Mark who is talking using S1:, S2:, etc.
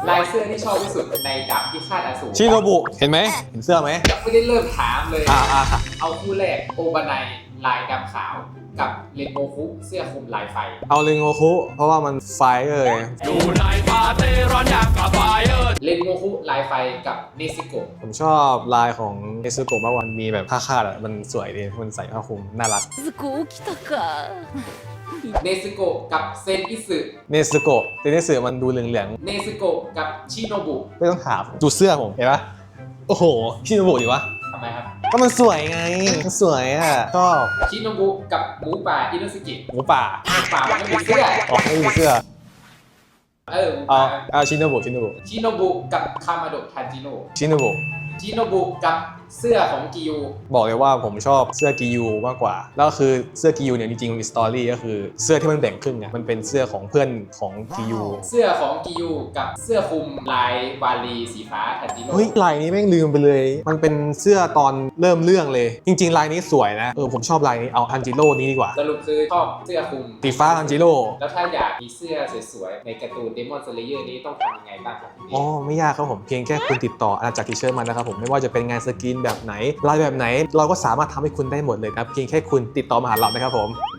S1: ลายเสื้อที่ชอบที่สุดในดาบพิฆาตอสูร
S2: ชิโนบุเห็นไหมเห็นเสื้อไหม
S1: ยังไม่ได้เริ่มถามเลย
S2: อ่า
S1: เอาคู่แรกโอบานายลายดำขาวกับเรนโบคุเสื้อคลุมลายไฟ
S2: เอาเรนโงคุเพราะว่ามันไฟเลย
S3: อยู่ในปาเต้ร้อนอย่างกับไฟเออร์
S1: เรนโบคุลายไฟกับเนซิโกะ
S2: ผมชอบลายของเนซึโกะมากกว่ามันมีแบบผ้าคาดอ่ะมันสวยดีมันใส่ผ้าคลุมน่ารัก
S4: ずこ起きたか。
S1: เนซิโกะกับเซนอิสึ
S2: เนซึโกะแต่เนซึมันดูเหลือง
S1: เนซิโกะกับชิโนบุ
S2: ๆไม่ต้องถามดูเสื้อผมเห็นปะโอ้โหชิโนบุดิวะ
S1: ทำไมครับ
S2: ก็มันสวยไงมันสวยอ่ะชอบ
S1: ชิโนบุกับหมูป่าอินุสกิ
S2: หมูป่า
S1: หมูป่ามันไม่มีเสื้อ
S2: อ๋อไม่มีเสื้อ
S1: หมู
S2: เอา
S1: ป่า
S2: เอาชิโนบุ
S1: ชิโนบุกับคามาโดะทาจิโนะ
S2: ชิโนบุ
S1: ชิโนบุกับเสื้อของกิยู
S2: บอกเลยว่าผมชอบเสื้อกิยูมากกว่าแล้วก็คือเสื้อกิยูเนี่ยจริงๆมันมีสตอรี่ก็คือเสื้อที่มันแบ่งครึ่งไงมันเป็นเสื้อของเพื่อนของกิยู
S1: เสื้อของกิยูกับเสื้อคลุมลายวาลีสีฟ้าทาจิโนะ
S2: เฮ้ยลายนี้แม่งลืมไปเลย มันเป็นเสื้อตอนเริ่มเรื่องเลย จริงๆลายนี้สวยนะผมชอบลายนี้เอาอันจิโร่นี้ดีกว่า
S1: สรุปคือชอบเสื้อคลุม
S2: สีฟ้าอันจิโร่
S1: แล้วถ้าอยากมีเสื้อสวยๆในการ์ตูน Demon Slayer นี้ต้องทำยังไงบ้างครับพี่
S2: อ๋อไม่ยากครับผมเพียงแค่คุณติดต่ออาณาจักรทีเชิร์มานะครับผมไม่ว่าจะเป็นงานสกรีนแบบไหนลายแบบไหนเราก็สามารถทำให้คุณได้หมดเลยครับเพียงแค่คุณติดต่อมาหาเรานะครับผม